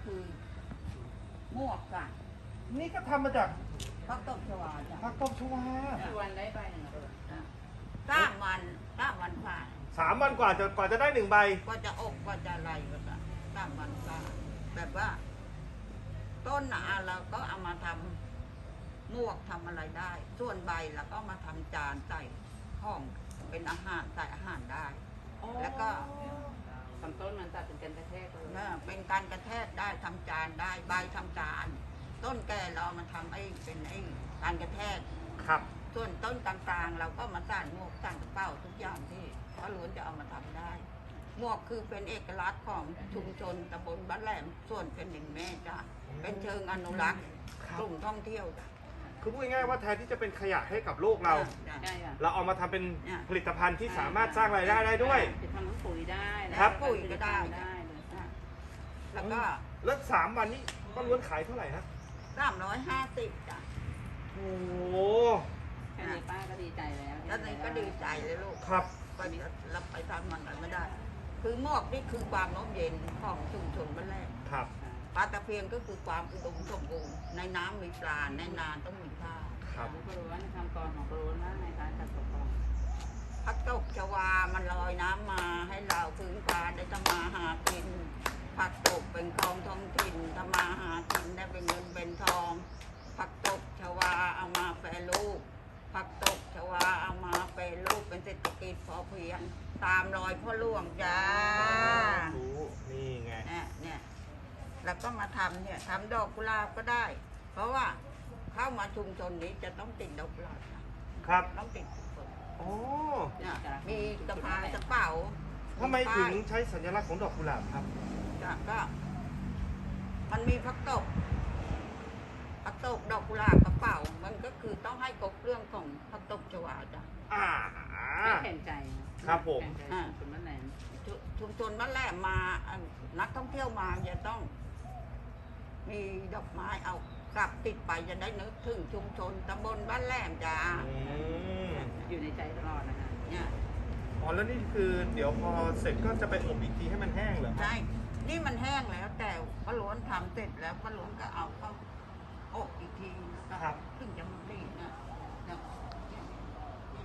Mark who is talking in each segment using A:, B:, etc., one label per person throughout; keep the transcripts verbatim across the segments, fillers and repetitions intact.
A: คือมวกจ้ะ
B: นี่ก็ทำมาจาก
A: ผักตบชวาจ้ะ
B: ผักตบชวา
C: กี่วันได้ใบหนึ่งอ่ะ
A: สามวันสามวันฝ่า
B: สามวันกว่าจะกว่าจะได้หนึ่งใบ
A: ก็จะอบก็จะอะไรก็จะสามวันฝ่าแบบว่า ต้นน่ะเราก็เอามาทำมวกทำอะไรได้ ส่วนใบเราก็มาทำจานใส่ห้องเป็นอาหารใส่อาหารได้ แล้วก็
C: ลำต้นมันตัดเป็นกันกระแทกเลย
A: เออเป็นการกระแทกได้ทำจานได้ใบทำจาน ต้นแก่เรามาทำไอ้เป็นไอ้การกระแทก
B: ครับ
A: ส่วนต้นกลางๆ เราก็มาสร้างหมวกสร้างกระเป๋าทุกอย่างที่พระล้วนจะเอามาทำได้หมวกคือเป็นเอกลักษณ์ของชุมชนตำบลบ้านแหลมส่วนเป็นหนึ่งแม่จ้ะเป็นเชิงอนุรักษ์กลุ่มท่องเที่ยวจ้ะ
B: คือพูดง่ายๆว่าแทนที่จะเป็นขยะให้กับโลกเรา
A: จ้ะ
C: ใช่ค่ะ
B: เราเอามาทำเป็น
A: เนี่ย
B: ผลิตภัณฑ์ที่สามารถสร้างรายได้ได้ด้วย
C: จะทำทั้งปุ๋ยได้นะครับ
A: ปุ๋ยก็ได้
C: ได้เลย
A: อ่ะแล้วก็
B: แล้วสามวันนี้ป้าล้วนขายเท่าไหร่นะ
A: สามร้อยห้าสิบจ้ะ
B: โอ้โห
C: แค่นี้ป้าก็ดีใจแล้ว
A: แล้วนี่ก็ดีใจเลยลูก
B: ครับ
A: ไปรับไปทำมันกันไม่ได้ คือหมวกนี่คือความร่มเย็นของชุมชนบ้านแรก
B: ครับ
A: ปลาตะเพียนก็คือความอุดมสมบูรณ์ในน้ำมีปลาในนาต้องมีข้าว
B: ครับ
C: ของกระโดนทำกรของกระโดนว่าไงคะจัดตกกอง
A: พักตกชวามันลอยน้ำมาให้เราพื้นปลาได้ทำมาหากินผักตกเป็นของท้องถิ่นทำมาหากินได้เป็นเงินเป็นทองผักตกชวาเอามาแปรรูปผักตกชวาเอามาแปรรูปเป็นเศรษฐกิจพอเพียงตามรอยพ่อหลวงจ้า
B: รู้นี่ไง
A: เนี่ยเนี่ยแล้วก็มาทำเนี่ยทำดอกกุหลาบก็ได้ เพราะว่าเข้ามาชุมชนนี้จะต้องติดดอกกุหลาบนะครับ ต้องติดทุกคน
B: โอ้
A: เนี่ยมีกระพายกระเป๋า
B: ทำไมถึงใช้สัญลักษณ์ของดอกกุหลาบครับ
A: จ้ะก็ มันมีพักตกพักตกดอกกุหลาบกระเป๋า มันก็คือต้องให้ครบเรื่องของพักตกชวาจ้ะ
B: อ่า
C: ไม่แข่งใจ
B: ครับผม
C: แข่งใจคุณบ้านแหลม
A: ชุชุมชนบ้านแรกมาอ่ะนักท่องเที่ยวมาจะต้อง มีดอกไม้เอากลับติดไปจะได้นึกถึงชุมชนตำบลบ้านแหลมจ้า
B: อืม
C: อยู่ในใจตลอดนะคะ
A: เนี่ย
B: อ๋อแล้วนี่คือเดี๋ยวพอเสร็จก็จะไปอบอีกทีให้มันแห้งเหรอครับ
A: ใช่นี่มันแห้งแล้ว แต่ป้าล้วนทำเสร็จแล้วป้าล้วนก็เอาเข้าอบอีกทีนะครับ ถึงจะมันดีนะเนี่ยเนี่ยเนี่ย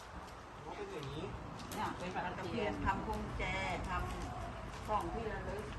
B: อ๋อเป็นอย่างนี้
A: เนี่ยเป็นปลาตะเพียนทำพวงแจทำของที่ระลึก